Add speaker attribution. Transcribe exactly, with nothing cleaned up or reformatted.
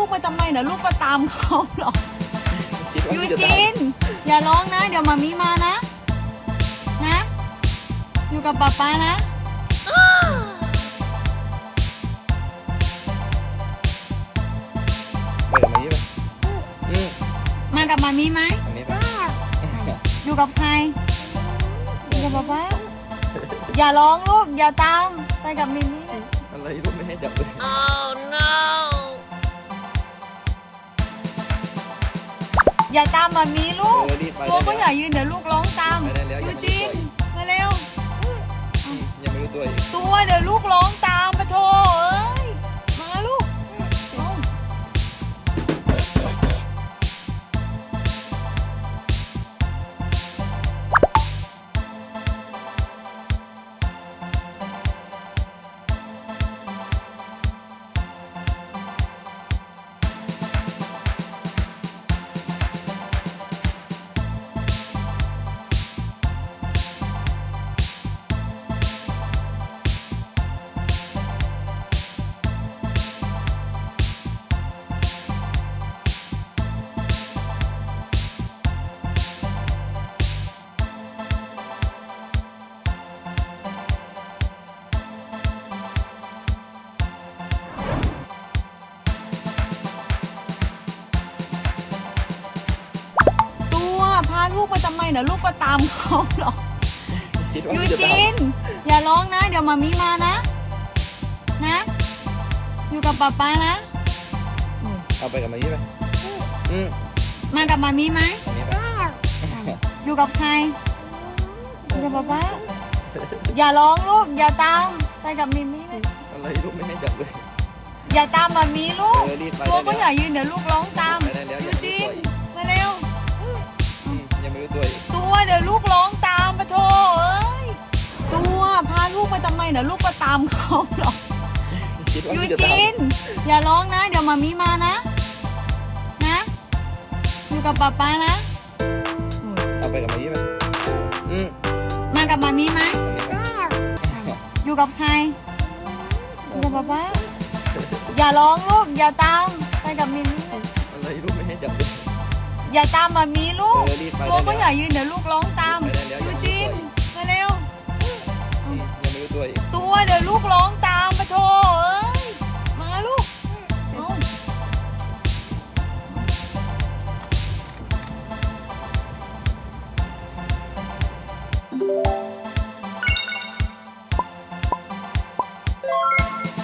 Speaker 1: ลูกมาทำไมเดี๋ยวลูกก็ตามเขาหรอก
Speaker 2: คิดว่า
Speaker 1: ยู
Speaker 2: พี่จะ
Speaker 1: จิ
Speaker 2: ตาม
Speaker 1: นอย่าร้องนะ เดี๋ยวมามีมานะ นะ อยู่กับป๊าป๊านะ
Speaker 2: ไปกับมายี่ไปอืม
Speaker 1: มากับมามีไหม
Speaker 2: อันนี้ไป
Speaker 1: อยู่กับใครอยู่กับป๊าป๊าอย่าร้องลูกอย่าตามไปกับมิมี่
Speaker 2: อะไรลูกไม่ให้จับเลย
Speaker 1: อย่าตามมามีลูก
Speaker 2: เออรีบไป
Speaker 1: ตัวก็
Speaker 2: ได้
Speaker 1: อย่ายืนเดี๋ยวลูกร้องตาม
Speaker 2: ไปได้แล้วอย่า
Speaker 1: ยู
Speaker 2: มา
Speaker 1: จิน
Speaker 2: ยุ่ง
Speaker 1: มาเร็ว
Speaker 2: อืมยังไม่รู้ตัวอีก
Speaker 1: ตัวเดี๋ยวลูกร้องตามปะโถเอ้ยมาลูกเอา ตัวพาลูกมาทำไมเดี๋ยวลูกก็ตามเขาหรอก
Speaker 2: คิดว่า
Speaker 1: ยู
Speaker 2: พี่จะตา
Speaker 1: จิ
Speaker 2: ม
Speaker 1: นอย่าร้องนะ เดี๋ยวมามีมานะ นะ อยู่กับป๊าป๊านะ
Speaker 2: เอาไปกับมายี่ไปอืม
Speaker 1: มากับมามีไหม
Speaker 2: อันนี้ไป
Speaker 1: อยู่กับใครอยู่กับป๊าป๊าอย่าร้องลูกอย่าตามไปกับมิมี่เลย
Speaker 2: อะไรลูกไม่ให้จับเลย
Speaker 1: อย่าตามมามีลูก
Speaker 2: เออรีบไป
Speaker 1: ตัว
Speaker 2: ได้
Speaker 1: ก็
Speaker 2: แล้ว
Speaker 1: อย่ายืนเดี๋ยวลูกร้องตาม
Speaker 2: ไปได้แล้วอ
Speaker 1: ยู
Speaker 2: ย่ามา
Speaker 1: จิ
Speaker 2: ยุ่ง
Speaker 1: น
Speaker 2: ตัวอีก
Speaker 1: มาเร็ว
Speaker 2: อืมยังไม่รู้ตัวอีก
Speaker 1: ตัวเดี๋ยวลูกร้องตามปะโถเอ้ยตัวพาลูกมาทำไมเดี๋ยวลูกก็ตามเขาหรอก
Speaker 2: คิดว่า
Speaker 1: ยู
Speaker 2: พี่จะตา
Speaker 1: จิ
Speaker 2: ม
Speaker 1: นอย่าร้องนะ เดี๋ยวมามีมานะ นะ อยู่กับป๊าป๊านะ
Speaker 2: เอาไปกับมายี่ไปอืม
Speaker 1: มากับมามีไหม
Speaker 2: อันนี้ไป
Speaker 1: อยู่กับใครอยู่กับป๊าป๊าอย่าร้องลูกอย่าตามไปกับมิมี่
Speaker 2: อะไรลูกไม่ให้จับเลย
Speaker 1: อย่าตามมามีลูก
Speaker 2: เออรีบไป
Speaker 1: ตัว
Speaker 2: ได้
Speaker 1: ก็
Speaker 2: แล้ว
Speaker 1: อย่ายืนเดี๋ยวลูกร้องตาม
Speaker 2: ไปได้แล้วอ
Speaker 1: ยู
Speaker 2: ย่ามายุ่ง
Speaker 1: จิ
Speaker 2: ตัวน อีก